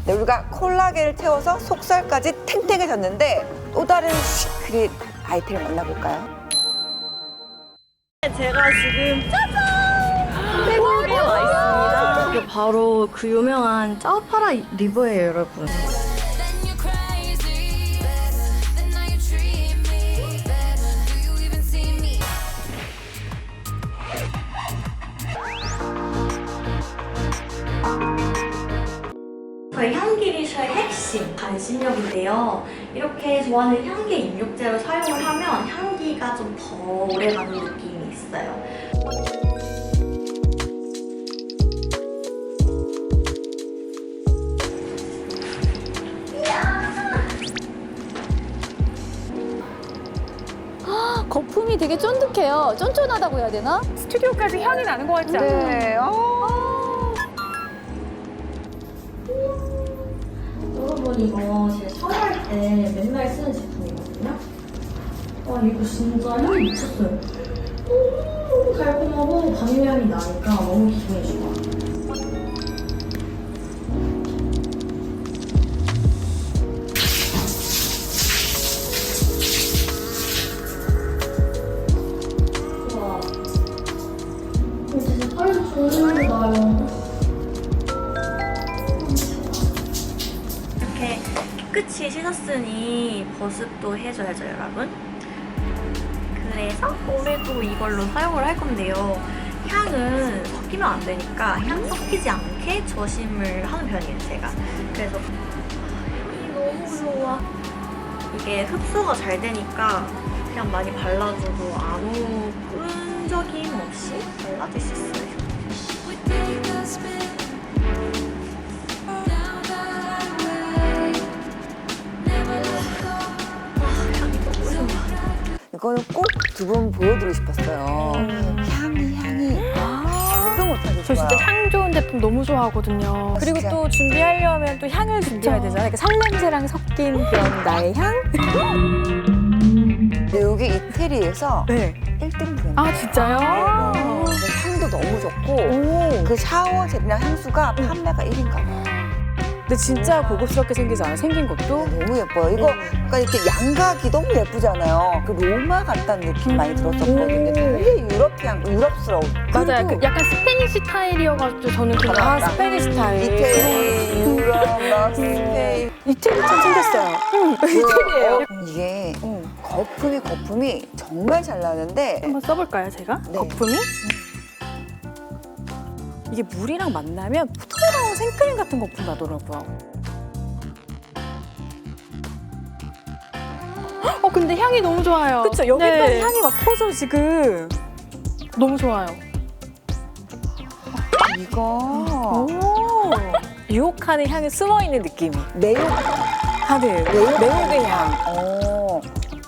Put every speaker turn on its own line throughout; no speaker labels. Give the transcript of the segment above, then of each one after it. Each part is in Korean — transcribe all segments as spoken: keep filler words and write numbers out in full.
네, 우리가 콜라겐을 태워서 속살까지 탱탱해졌는데 또 다른 시크릿 아이템을 만나볼까요?
제가 지금 짜잔! 태국에 와 있습니다. 이게 바로 그 유명한 짜오파라 리버예요, 여러분. 저희 향기 리셔의 핵심 반신욕인데요. 이렇게 좋아하는 향기 입욕제를 사용을 하면 향기가 좀 더 오래가는 느낌이 있어요.
거품이 되게 쫀득해요. 쫀쫀하다고 해야 되나?
스튜디오까지 향이 나는 것 같지 않아요?
네. 어.
여러분 이거 제가 샤워할 때 맨날 쓰는 제품이거든요. 와 이거 진짜 향이 미쳤어요. 너무 달콤하고 바닐향이 나니까 너무 기분이 좋아. 우와. 이거 진짜 털이 좋은 거 나요. 이렇게 깨끗이 씻었으니 보습도 해줘야죠, 여러분. 그래서 오늘도 이걸로 사용을 할 건데요. 향은 섞이면 안 되니까 향 섞이지 않게 조심을 하는 편이에요, 제가. 그래서 향이 너무 좋아. 이게 흡수가 잘 되니까 그냥 많이 발라줘도 아무 끈적임 없이 발라줄 수 있어요.
이거는 꼭 두 분 보여드리고 싶었어요. 향이 향이 아, 이거 못하겠어요.
저 진짜 향 좋은 제품 너무 좋아하거든요. 그리고
진짜.
또 준비하려면 또 향을 준비해야 되잖아요. 그러니까 살냄새랑 섞인 그런 나의 향?
근데 여기 이태리에서
네.
일 등 브랜드.
아, 진짜요?
향도 너무 좋고
오.
그 샤워 젤이랑 향수가 판매가 일 위인가 봐요.
근데 진짜 고급스럽게 생기지 않아요? 생긴 것도?
너무 예뻐요. 이거 약간 이렇게 양각이 너무 예쁘잖아요. 그 로마 같다는 느낌 많이 들었었거든요. 되게 유러피안, 유럽스러운.
맞아요.
그리고
그 약간 스페니쉬 스타일이어가지고 저는 그냥
아,
아, 스페니쉬 스타일.
이태리, 유럽, 막 스페인.
이태리처럼 생겼어요. 응, 이태리예요.
어, 이게 거품이 거품이 정말 잘 나는데
한번 써볼까요, 제가?
네.
거품이? 이게 물이랑 만나면 부드러운 생크림 같은 거품 나더라고요. 어, 근데 향이 너무 좋아요. 그쵸, 여기까지 향이 막 퍼져, 지금. 너무 좋아요.
이거
오. 유혹하는 향이 숨어있는 느낌이.
매우
하늘, 매혹의 향.
어.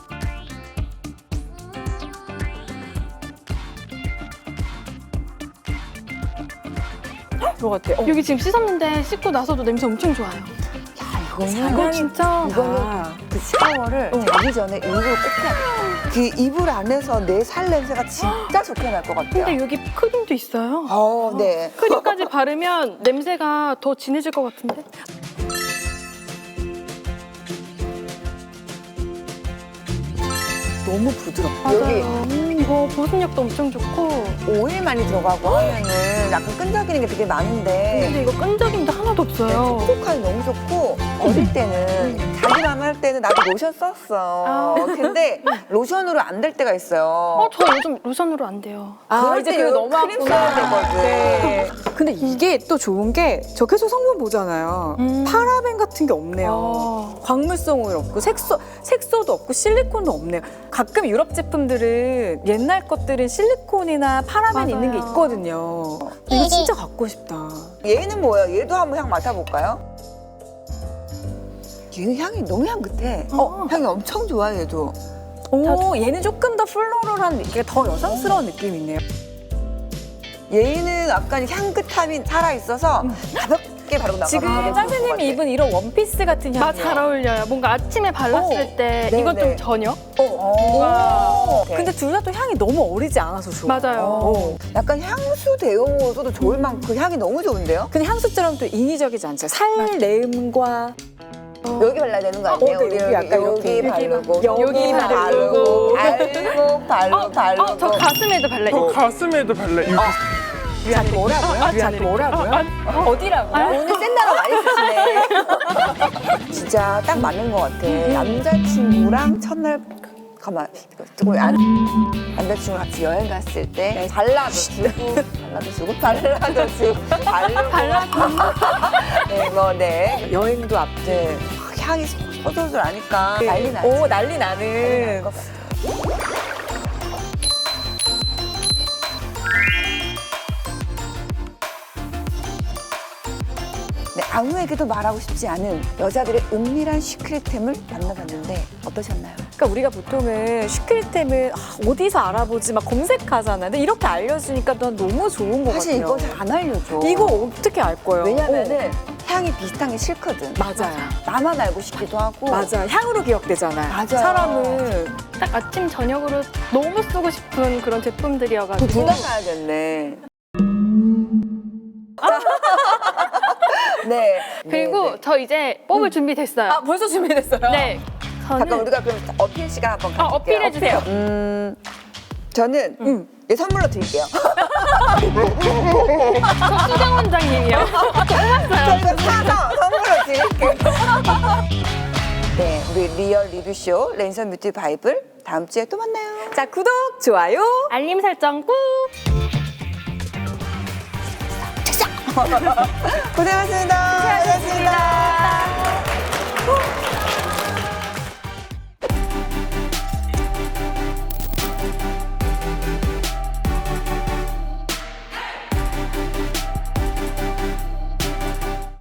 그거 같아요.
여기 지금 씻었는데 씻고 나서도 냄새 엄청 좋아요.
야, 이거는
이거 진짜.
이거는
아.
그 샤워를 자기 전에 이불을 꼭 해야 돼. 그 이불 안에서 내 살 냄새가 진짜 좋게 날 것 같아요.
근데 여기 크림도 있어요.
어, 네.
크림까지 바르면 냄새가 더 진해질 것 같은데?
너무 부드럽고
맞아요.
여기
음, 이거 보습력도 엄청 좋고.
오일 많이 들어가고 하면은 약간 끈적이는 게 되게 많은데
근데 이거 끈적임도 하나도 없어요.
촉촉하니 너무 좋고 어릴 때는 자기 맘 할 때는 나도 로션 썼어.
아.
근데 로션으로 안 될 때가 있어요.
어, 저 요즘 로션으로 안 돼요.
아,
그럴
이제
때
그거
이거
너무
크림
아프구나.
써야 되거든.
네. 근데 이게 또 좋은 게 저 계속 성분 보잖아요.
음.
파라벤 같은 게 없네요.
어.
광물성 오일 없고 색소, 색소도 없고 실리콘도 없네요. 가끔 유럽 제품들은 옛날 것들은 실리콘이나 파라벤
맞아요.
있는 게 있거든요. 근데 이거 진짜 갖고 싶다.
얘는 뭐예요? 얘도 한번 향 맡아볼까요? 얘는 향이 너무 향긋해. 어, 향이 엄청 좋아 얘도.
오, 얘는 조금 더 플로럴한, 이게 더 여성스러운 느낌이 있네요.
얘는 약간 향긋함이 살아있어서 가볍, 가볍게 바르고 나가면
지금
되게 좋을 것
선생님이
같아.
입은 이런 원피스 같은 향이에요.
아, 잘 어울려요. 뭔가 아침에 발랐을
어.
때
네,
이건
네.
좀 저녁?
오. 오케이.
근데 둘 다 또 향이 너무 어리지 않아서 좋아.
맞아요.
어. 약간 향수 데워서도 좋을 만큼 그 향이 너무 좋은데요?
근데 향수처럼 또 인위적이지 않죠. 살내음과
여기 발라야 되는 거 아니에요?
어, 네,
우리
여기 약간
여기
여기
바르고
여기
바르고
바르고.
바르고 바르고
어,
바르고
어, 저 가슴에도 발라.
저 가슴에도 발라. 이렇게
자기 뭐라고요? 자기 뭐라고요? 어디라고요?
오늘 센 단어 많이 쓰시네. 진짜 딱 맞는 것 같아. 남자친구랑 첫날 가만 이거 안 남자친구랑 같이 여행 갔을 때 발라도 주고 발라도 주고 발라도 주고 발라도 발라도 네뭐네
여행도 앞.
네. 향이 소소소 나니까 난리 나지.
오 난리
난리
나는.
날것 같아. 네, 아무에게도 말하고 싶지 않은 여자들의 은밀한 시크릿템을 만나봤는데 어떠셨나요?
그러니까 우리가 보통은 시크릿템을 아, 어디서 알아보지 막 검색하잖아. 근데 이렇게 알려주니까 난 너무 좋은 것
사실
같아요.
이거 잘 안 알려줘.
이거 어떻게 알 거예요?
왜냐면은 향이 비슷한 게 싫거든.
어, 맞아요.
나만 알고 싶기도 하고.
맞아. 향으로 기억되잖아요.
맞아요.
사람은
딱 아침 저녁으로 너무 쓰고 싶은 그런 제품들이어가지고.
둘 다 사야겠네. 네.
그리고
네, 네.
저 이제 뽑을 준비 됐어요.
아 벌써 준비됐어요?
네. 저는
잠깐 우리가 그럼 어필 시간 한번
아,
가질게요.
어필해 주세요.
음, 저는 음, 예, 선물로 드릴게요.
수정 원장님이요.
저희가 사서 선물로 드릴게요. 네, 우리 리얼 리뷰쇼 랜선 뷰티 바이블 다음 주에 또 만나요.
자 구독, 좋아요.
알림 설정 꾹.
고생하셨습니다. 고생하셨습니다.